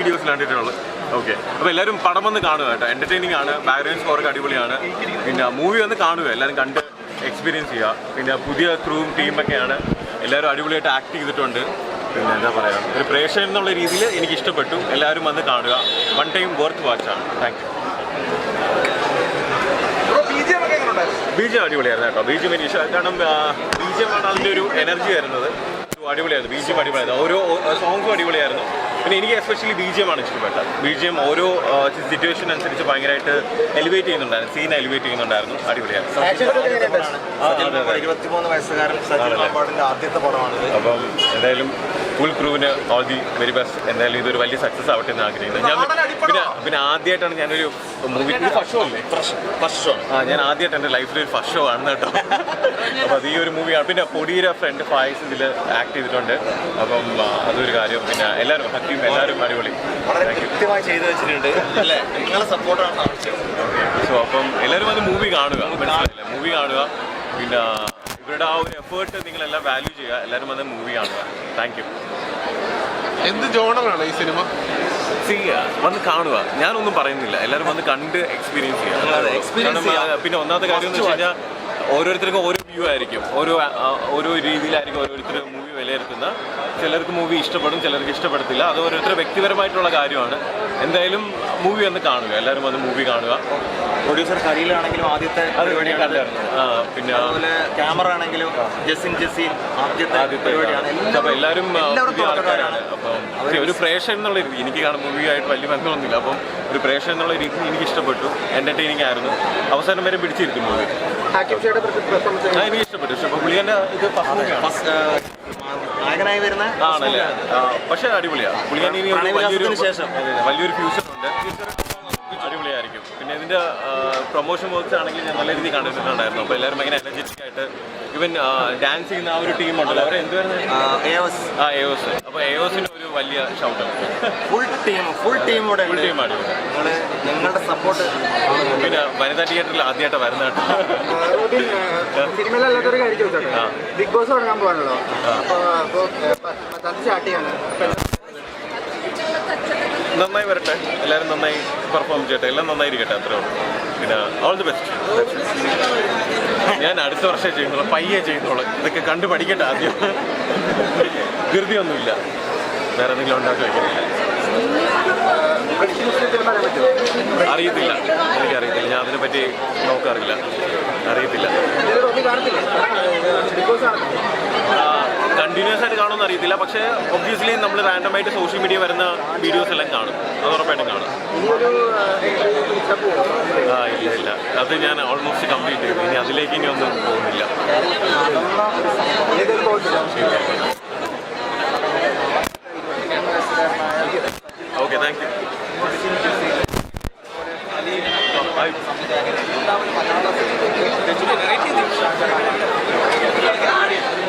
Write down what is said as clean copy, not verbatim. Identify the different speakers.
Speaker 1: വീഡിയോസിൽ കണ്ടിട്ടുള്ളത്. ഓക്കെ, അപ്പോൾ എല്ലാവരും പടം വന്ന് കാണുക കേട്ടോ. എൻ്റർടൈനിങ് ആണ്, ബാക്ക്ഗ്രൗണ്ട് സ്കോറൊക്കെ അടിപൊളിയാണ്. പിന്നെ മൂവി വന്ന് കാണുക, എല്ലാവരും കണ്ട് എക്സ്പീരിയൻസ് ചെയ്യുക. പിന്നെ പുതിയ ക്രൂവും ടീമൊക്കെയാണ്, എല്ലാവരും അടിപൊളിയായിട്ട് ആക്ട് ചെയ്തിട്ടുണ്ട്. പിന്നെ എന്താ പറയുക, ഒരു പ്രേക്ഷകൻ എന്നുള്ള രീതിയിൽ എനിക്ക് ഇഷ്ടപ്പെട്ടു. എല്ലാവരും വന്ന് കാണുക, വൺ ടൈം വർത്ത് വാച്ചാണ്. Thank you. ബീജം അടിപൊളിയായിരുന്നു കേട്ടോ. ബീജം എനിക്ക് ഇഷ്ടം, കാരണം ബീജമാണ് അതിൻ്റെ ഒരു എനർജി വരുന്നത്. അടിപൊളിയായിരുന്നു, ബീജം അടിപൊളിയായിരുന്നു. ഓരോ സോങ്സും അടിപൊളിയായിരുന്നു. പിന്നെ എനിക്ക് എസ്പെഷ്യലി ബിജിഎമാണ് ഇഷ്ടപ്പെട്ടത്. ബിജിഎം ഓരോ സിറ്റുവേഷൻ അനുസരിച്ച് ഭയങ്കരമായിട്ട് എലിവേറ്റ് ചെയ്യുന്നുണ്ടായിരുന്നു, സീൻ എലിവേറ്റ് ചെയ്യുന്നുണ്ടായിരുന്നു. അടിപൊളിയായിരുന്നു.
Speaker 2: 23 വയസ്സുകാരൻ ആദ്യത്തെ പടമാണ്.
Speaker 1: അപ്പം എന്തായാലും ഫുൾ ക്രൂവിന് ഓൾ ദി വെരി ബെസ്റ്റ്. എന്തായാലും ഇതൊരു വലിയ സക്സസ് ആവട്ടെ എന്ന് ആഗ്രഹിക്കുന്നത്. പിന്നെ ആദ്യമായിട്ടാണ് ഞാനൊരു മൂവി ഫസ്റ്റ് ഷോ അല്ലേ, ഫസ്റ്റ് ഷോ. ഞാൻ ആദ്യമായിട്ട് എൻ്റെ ലൈഫിൽ ഒരു ഫസ്റ്റ് ഷോ ആണ് കേട്ടോ. അപ്പോൾ അത് ഈ ഒരു മൂവിയാണ്. പിന്നെ പൊടിയുടെ ഫ്രണ്ട് ഫായ്സ് ഇതിൽ ആക്ട് ചെയ്തിട്ടുണ്ട്. അപ്പം അതൊരു കാര്യം. പിന്നെ എല്ലാവരും ഹക്കീം, എല്ലാവരും അടിപൊളി,
Speaker 2: കൃത്യമായി ചെയ്തു വെച്ചിട്ടുണ്ട്. നിങ്ങളുടെ സപ്പോർട്ടാണ് ആവശ്യം.
Speaker 1: സോ അപ്പം എല്ലാവരും അത് മൂവി കാണുക, മനസ്സിലായില്ല, മൂവി കാണുക. പിന്നെ ഇവരുടെ ആ ഒരു എഫേർട്ട് നിങ്ങളെല്ലാം വാല്യൂ ചെയ്യുക. എല്ലാവരും വന്ന് മൂവി കാണുക. Thank you.
Speaker 3: എന്ത് ജോണറാണ് ഈ സിനിമ?
Speaker 1: വന്ന് കാണുക, ഞാനൊന്നും പറയുന്നില്ല. എല്ലാവരും വന്ന് കണ്ട് എക്സ്പീരിയൻസ് ചെയ്യുക. പിന്നെ ഒന്നാമത്തെ കാര്യം എന്ന് വെച്ച് കഴിഞ്ഞാൽ ഓരോരുത്തർക്കും ഓരോ വ്യൂ ആയിരിക്കും, ഓരോ രീതിയിലായിരിക്കും ഓരോരുത്തർ മൂവി വിലയിരുത്തുന്ന. ചിലർക്ക് മൂവി ഇഷ്ടപ്പെടും, ചിലർക്ക് ഇഷ്ടപ്പെടത്തില്ല. അത് ഓരോരുത്തരുടെ വ്യക്തിപരമായിട്ടുള്ള കാര്യമാണ്. എന്തായാലും മൂവി വന്ന് കാണുക, എല്ലാവരും വന്ന് മൂവി കാണുക.
Speaker 2: പ്രൊഡ്യൂസർ ഖലീലാണെങ്കിലും ആദ്യത്തെ പരിപാടിയാണ്.
Speaker 1: പിന്നെ
Speaker 2: അതുപോലെ ക്യാമറ ആണെങ്കിലും ജസീൻ ആദ്യത്തെ പരിപാടിയാണ്.
Speaker 1: അപ്പോൾ എല്ലാവരും പുതിയ ആൾക്കാരാണ്. അപ്പം ഒരു പ്രേക്ഷകൻ എന്നുള്ള രീതി, എനിക്ക് കാണുന്ന മൂവിയായിട്ട് വലിയ ബന്ധമൊന്നുമില്ല. അപ്പം ഒരു പ്രേക്ഷകൻ എന്നുള്ള രീതി എനിക്ക് ഇഷ്ടപ്പെട്ടു. എൻ്റർടൈനിങ് ആയിരുന്നു. അവസാനം വരെ പിടിച്ചിരിക്കും മൂവി. എനിക്ക് ഇഷ്ടപ്പെട്ടു. പുള്ളിയുടെ ഇത്
Speaker 2: നായകനായി വരുന്ന
Speaker 1: ആണല്ലേ, പക്ഷേ അടിപൊളിയാണ്. പുള്ളിയാൻ ഇനി വലിയൊരു ഫ്യൂച്ചർ ഉണ്ട്, അടിപൊളിയായിരിക്കും. പിന്നെ ഇതിൻ്റെ പ്രൊമോഷൻ വർക്ക്സ് ആണെങ്കിൽ ഞാൻ നല്ല രീതിയിൽ കണ്ടിട്ടുണ്ടായിരുന്നു. അപ്പോൾ എല്ലാവരും ഭയങ്കര എനർജറ്റിക് ആയിട്ട്, ഈവൻ ഡാൻസ് ചെയ്യുന്ന ആ ഒരു ടീം ഉണ്ടല്ലോ, അവരെ എന്തുവായിരുന്നു, എയോസ്. അപ്പോൾ എയോസിന് ഒരു വലിയ ഷൗട്ട്.
Speaker 2: ഫുൾ ടീം
Speaker 1: അടിപൊളി.
Speaker 2: നിങ്ങളുടെ സപ്പോർട്ട്.
Speaker 1: പിന്നെ വനിതാ തിയേറ്ററിൽ ആദ്യമായിട്ട് വരുന്ന
Speaker 4: സിനിമയിലല്ലാത്തൊരു കാര്യം ചോദിച്ചോട്ടെ, ബിഗ് ബോസ് തുടങ്ങാൻ പോകാണല്ലോ. അപ്പോൾ 10 സ്റ്റാർട്ട് ചെയ്യാണ്.
Speaker 1: നന്നായി വരട്ടെ, എല്ലാവരും നന്നായി പെർഫോം ചെയ്യട്ടെ, എല്ലാം നന്നായിരിക്കട്ടെ, അത്രേ ഉള്ളൂ. പിന്നെ ഓൾ ദി ബെസ്റ്റ്. ഞാൻ അടുത്ത വർഷമേ ചെയ്യുന്നുള്ളൂ, പയ്യെ ചെയ്യുന്നുള്ളൂ. ഇതൊക്കെ കണ്ടു പഠിക്കട്ടെ ആദ്യം. ധൃതിയൊന്നുമില്ല, വേറെ എന്തെങ്കിലും ഉണ്ടാക്കി വയ്ക്കുന്നില്ല. അറിയത്തില്ല, എനിക്കറിയത്തില്ല. ഞാൻ അതിനെപ്പറ്റി നോക്കാറില്ല, അറിയത്തില്ല. കണ്ടിന്യൂസ് ആയിട്ട് കാണുമെന്ന് അറിയത്തില്ല. പക്ഷേ ഒബ്വിയസ്ലി നമ്മൾ റാൻഡമായിട്ട് സോഷ്യൽ മീഡിയ വരുന്ന വീഡിയോസ് എല്ലാം കാണും, അത് ഉറപ്പായിട്ടും കാണും. ഇല്ല, അത് ഞാൻ ഓൾമോസ്റ്റ് കംപ്ലീറ്റ് ചെയ്തു. ഇനി അതിലേക്ക് ഇനി ഒന്നും പോകുന്നില്ല. Okay, thank U.